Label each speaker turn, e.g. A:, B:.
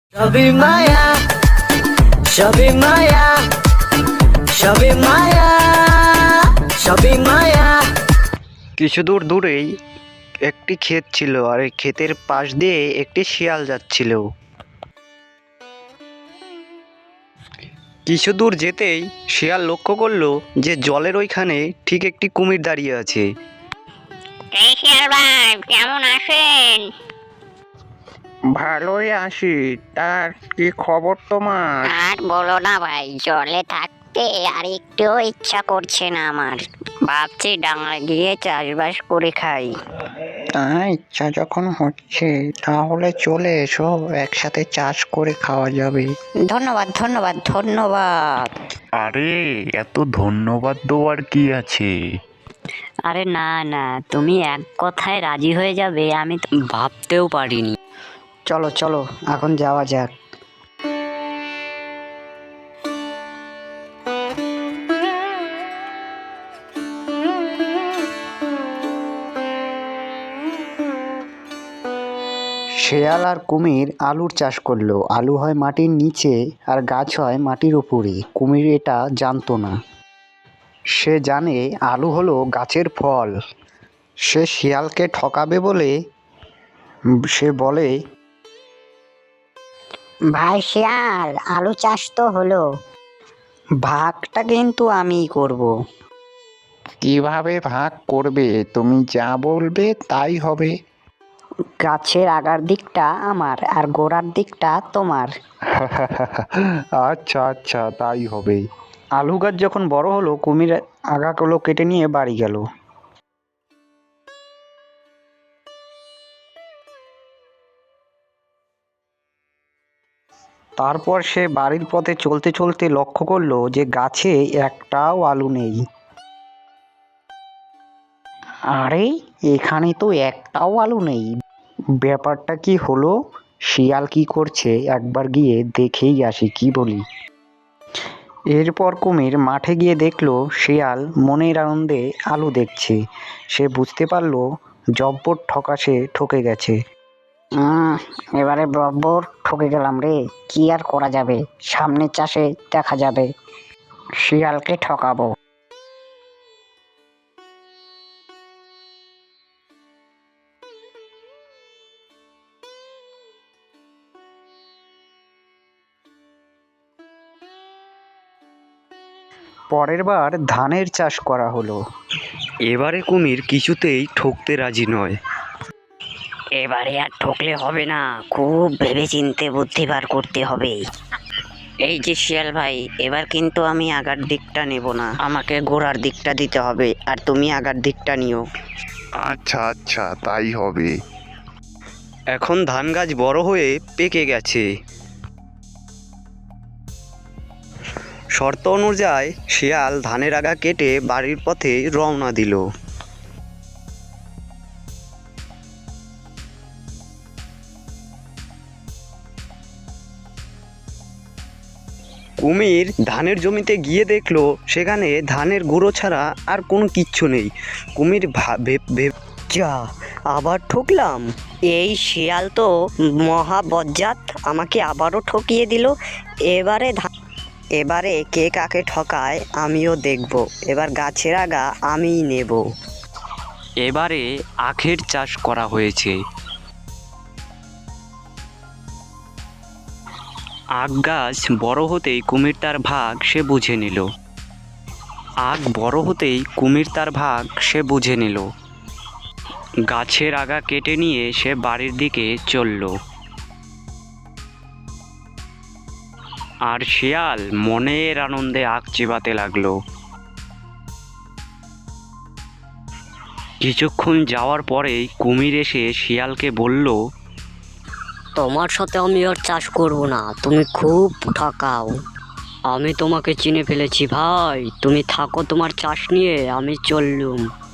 A: সবই মায়া, সবই মায়া, সবই মায়া, সবই মায়া।
B: কিছু দূর দূরেই একটি ক্ষেত ছিল, আর এই ক্ষেতের পাশ দিয়ে একটি শিয়াল যাচ্ছিল। কিছু দূর যেতেই শিয়াল লক্ষ্য করলো যে জলের ওইখানে ঠিক একটি কুমির দাঁড়িয়ে আছে।
C: এই শিয়াল ভাই, কেমন আছেন?
D: ভালোই আছি। তার কি খবর তোমার?
C: আর বলো না ভাই, জলে থাকতে আর একটুও ইচ্ছা করছে না আমার। ভাবছি ডাঙায় গিয়ে চাষবাস করে খাই।
D: ইচ্ছা যখন হচ্ছে তাহলে চলে এসো, একসাথে চাষ করে খাওয়া যাবে।
C: ধন্যবাদ ধন্যবাদ ধন্যবাদ।
E: আরে এত ধন্যবাদ দেওয়ার কি আছে?
C: আরে না না, তুমি এক কথায় রাজি হয়ে যাবে আমি তো ভাবতেও পারিনি।
B: চলো চলো, এখন যাওয়া যাক। শেয়াল আর কুমির আলুর চাষ করলো। আলু হয় মাটির নিচে আর গাছ হয় মাটির উপরে। কুমির এটা জানতো না। সে জানে আলু হলো গাছের ফল। সে শিয়ালকে ঠকাবে বলে সে বলে,
C: ভাই শিয়াল, আলু চাষ তো হলো,
B: ভাগটা কিন্তু আমিই করব।
D: কিভাবে ভাগ করবে? তুমি যা বলবে তাই হবে।
B: গাছের আগার দিকটা আমার আর গোড়ার দিকটা তোমার।
E: আচ্ছা আচ্ছা, তাই হবে।
B: আলু গাছ যখন বড় হলো, কুমির আগাগুলো কেটে নিয়ে বাড়ি গেল। তারপর সে বাড়ির পথে চলতে চলতে লক্ষ্য করলো যে গাছে একটাও আলু নেই। আরে, এখানে তো একটাও আলু নেই। ব্যাপারটা কি হলো? শিয়াল কি করছে একবার গিয়ে দেখেই আসি, কি বলি? এরপর কুমির মাঠে গিয়ে দেখলো শিয়াল মনের আনন্দে আলু দেখছে। সে বুঝতে পারলো জব্বর ঠকা সে ঠকে গেছে।
C: এবারে বরাবর ঠকে গেলাম রে। কি আর করা যাবে, সামনের চাষে দেখা যাবে। শিয়ালকে ঠকাবো।
B: পরের বার ধানের চাষ করা হলো। এবারে কুমির কিছুতেই ঠকতে রাজি নয়।
C: এবারে আর ঠকলে হবে না, খুব ভেবেচিন্তে বুদ্ধি বার করতে হবে। এই যে শিয়াল ভাই, এবার কিন্তু আমি আগার দিকটা নেব না, আমাকে গোড়ার দিকটা দিতে হবে, আর তুমি আগার দিকটা নিও।
E: আচ্ছা আচ্ছা, তাই হবে।
B: এখন ধান গাছ বড় হয়ে পেকে গেছে। শর্ত অনুযায়ী শিয়াল ধানের আগা কেটে বাড়ির পথে রওনা দিল। কুমির ধানের জমিতে গিয়ে দেখলো সেখানে ধানের গুঁড়ো ছাড়া আর কোনো কিচ্ছু নেই। কুমির যা, আবার ঠকলাম।
C: এই শিয়াল তো মহা বজ্জাত, আমাকে আবারও ঠকিয়ে দিল। এবারে কে কাকে ঠকায় আমিও দেখব। এবার গাছের আগা আমিই নেব।
B: এবারে আখের চাষ করা হয়েছে। আখ গাছ বড় হতেই কুমির তার ভাগ সে বুঝে নিল। গাছের আগা কেটে নিয়ে সে বাড়ির দিকে চলল। আর শিয়াল মনের আনন্দে আখ চিবাতে লাগলো। কিছুক্ষণ যাওয়ার পরেই কুমির এসে শিয়ালকে বলল,
C: তোমার সাথে আমি আর চাষ করব না, তুমি খুব ঠকাও।
F: আমি তোমাকে চিনে ফেলেছি ভাই, তুমি থাকো তোমার চাষ নিয়ে, আমি চললুম।